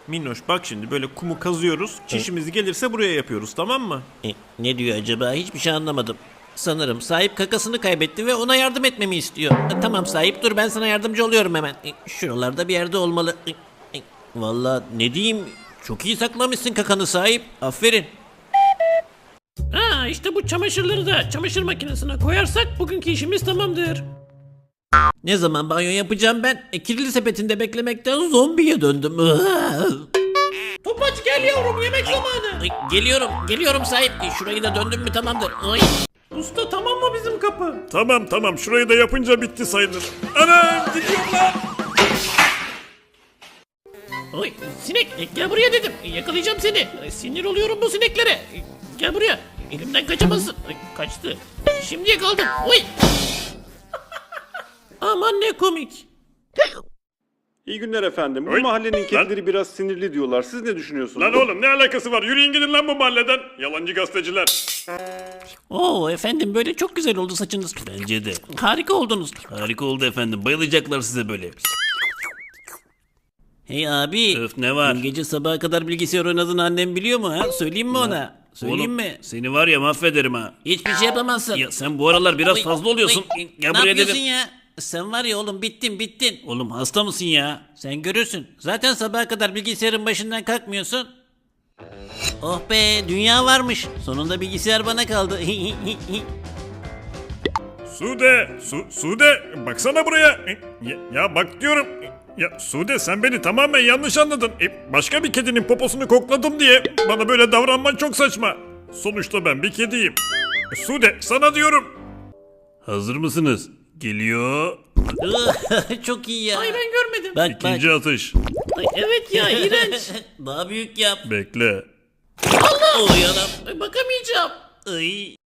Minnoş bak şimdi böyle kumu kazıyoruz. Çişimiz gelirse buraya yapıyoruz, tamam mı? Ne diyor acaba? Hiçbir şey anlamadım. Sanırım sahip kakasını kaybetti ve ona yardım etmemi istiyor. Tamam sahip, dur ben sana yardımcı oluyorum hemen. Şuralarda bir yerde olmalı. Vallahi ne diyeyim, çok iyi saklamışsın kakanı sahip. Aferin. İşte bu çamaşırları da çamaşır makinesine koyarsak bugünkü işimiz tamamdır. Ne zaman banyo yapacağım ben? Kirli sepetinde beklemekten zombiye döndüm. Topaç gel yavrum, yemek zamanı. Geliyorum sahip. Şurayı da döndüm mü tamamdır. Ay. Usta tamam mı bizim kapı? Tamam şurayı da yapınca bitti sayılır. Anam gidiyorum lan. Oy sinek, gel buraya dedim. Yakalayacağım seni. Sinir oluyorum bu sineklere. Gel buraya. Elimden kaçamazsın. Kaçtı. Şimdi yakaladım. Oy. Aman ne komik. İyi günler efendim. Bu Oy, mahallenin lan. kedileri biraz sinirli diyorlar. Siz ne düşünüyorsunuz? Lan oğlum ne alakası var? Yürüyün gidin lan bu mahalleden. Yalancı gazeteciler. Oo efendim, böyle çok güzel oldu saçınız. Bence de. Harika oldunuz. Harika oldu efendim. Bayılacaklar size böyle. Hey abi. Öf, ne var? Dün gece sabaha kadar bilgisayar oynadığını annem biliyor mu ha? Söyleyeyim mi ona? Söyleyeyim mi? Seni var ya mahvederim ha. Hiçbir şey yapamazsın. Ya sen bu aralar biraz Oy, fazla oluyorsun. oy. Gel Ne buraya yapıyorsun dedim. ya? Sen var ya oğlum, bittin. Oğlum hasta mısın ya? Sen görürsün. Zaten sabaha kadar bilgisayarın başından kalkmıyorsun. Oh be, dünya varmış. Sonunda bilgisayar bana kaldı. Sude baksana buraya. Ya bak diyorum. Ya Sude sen beni tamamen yanlış anladın. Başka bir kedinin poposunu kokladım diye bana böyle davranman çok saçma. Sonuçta ben bir kediyim. Sude sana diyorum. Hazır mısınız? Geliyor. Çok iyi ya. Ay ben görmedim. Bak İkinci atış. Ay, evet ya, iğrenç. Daha büyük yap. Bekle. Oy anam. Ay, bakamayacağım. Ay.